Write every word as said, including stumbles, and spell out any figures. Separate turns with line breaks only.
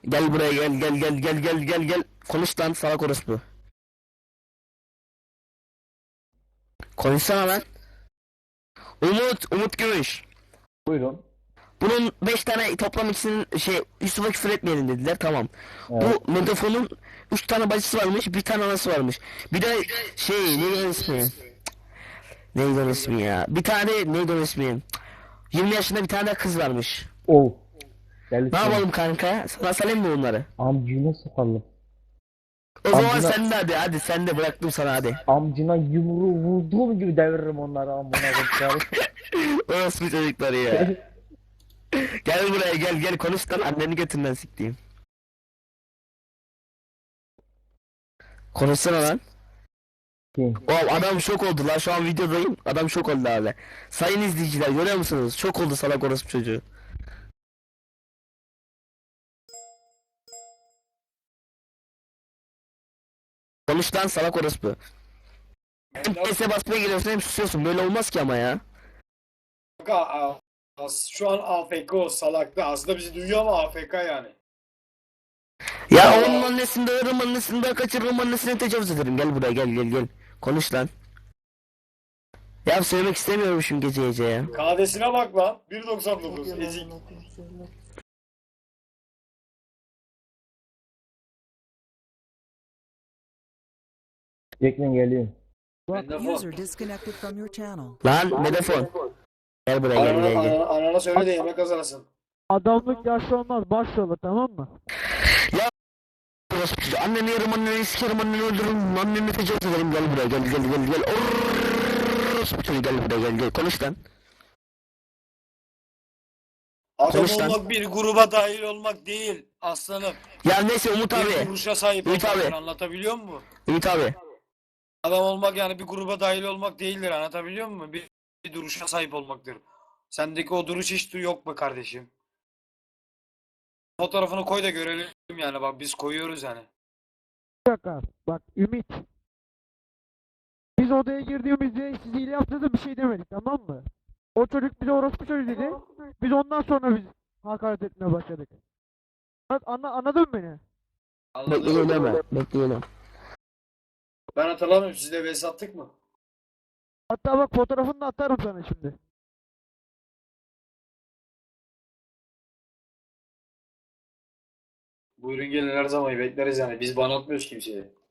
Gel buraya gel gel gel gel gel gel gel. Konuş lan salak orospu. Konuşsana lan. Umut, Umut Gümüş.
Buyurun.
Bunun beş tane toplam ikisinin şey Yusuf'a küfür etmeyelim dediler tamam.
Evet.
Bu Megafon'un üç tane bacısı varmış, bir tane anası varmış. Bir de şey neydi onun ismi? Neydi onun ismi ya? Bir tane neydi onun ismi? yirmi yaşında bir tane kız varmış.
Ol. Deli
Ne
seni.
yapalım kanka? Sana salayım mı bunları?
Amcına sokalım.
O zaman
Amcına,
sen de hadi hadi sen de bıraktım sana hadi.
amcına yumruğu vurduğum gibi deviririm onları amına koyayım.
Orospu çocukları ya. Gel buraya gel gel konuş lan anneni götünden siktiğim. Konuşsana lan.
Kim?
Oğlum adam şok oldu lan şu an videodayım. Adam şok oldu abi. Sayın izleyiciler görüyor musunuz? Şok oldu salak orospu çocuğu. Konuş lan salak orospu. Hem P S basmaya geliyorsun hem susuyorsun. Böyle olmaz ki ama ya.
Kanka, a- as- şu an A F K o salakta. Aslında bizi duyuyor ama A F K yani.
Ya onun annesini döverim annesini de kaçırırım annesini tecavüz ederim. Gel buraya gel gel gel. Konuş lan. Ya söylemek istemiyorum şimdi gece gece ya.
K D'sine bak lan. bir doksan dokuz. Ezik.
Bekleyin geliyorum.
Megafon.
User disconnected from your channel.
Lan Medefon. Gel buraya gel
Anana,
gel gel.
anana, anana söyle de yemek kazanasın.
Adamlık yaşlı olmaz, baş olur, tamam mı?
Orospu çocuğu. Anneni yerim anneni sikerim anneni öldürürüm anneni tecavüz ederim. Gel buraya gel gel gel gel. Orospu çocuğu gel buraya gel gel. Konuş lan.
Adam
Konuş lan.
olmak bir gruba dahil olmak değil aslanım.
Ya neyse Umut
Bir
abi.
duruşa sahip
Ümit
olmaktır,
abi.
anlatabiliyor muyum?
Ümit abi.
Adam olmak yani bir gruba dahil olmak değildir, anlatabiliyor muyum? Bir, bir duruşa sahip olmaktır. Sendeki o duruş hiç yok mu kardeşim? Fotoğrafını koy da görelim yani, bak biz koyuyoruz yani.
Bir dakika, bak Ümit. Biz odaya girdiğimizde siz hile yaptığınızda bir şey demedik, tamam mı? O çocuk bize orospu çocuğu dedi. Biz ondan sonra biz hakaret etmeye başladık. Anla, anladın mı beni?
Bekleyin deme. Bekleyin.
Ben hatırlamıyorum, sizle vs attık mı?
Hatta bak fotoğrafını da atarım sana şimdi.
Buyurun gelin, her zaman bekleriz yani. Biz ban atmıyoruz kimseye.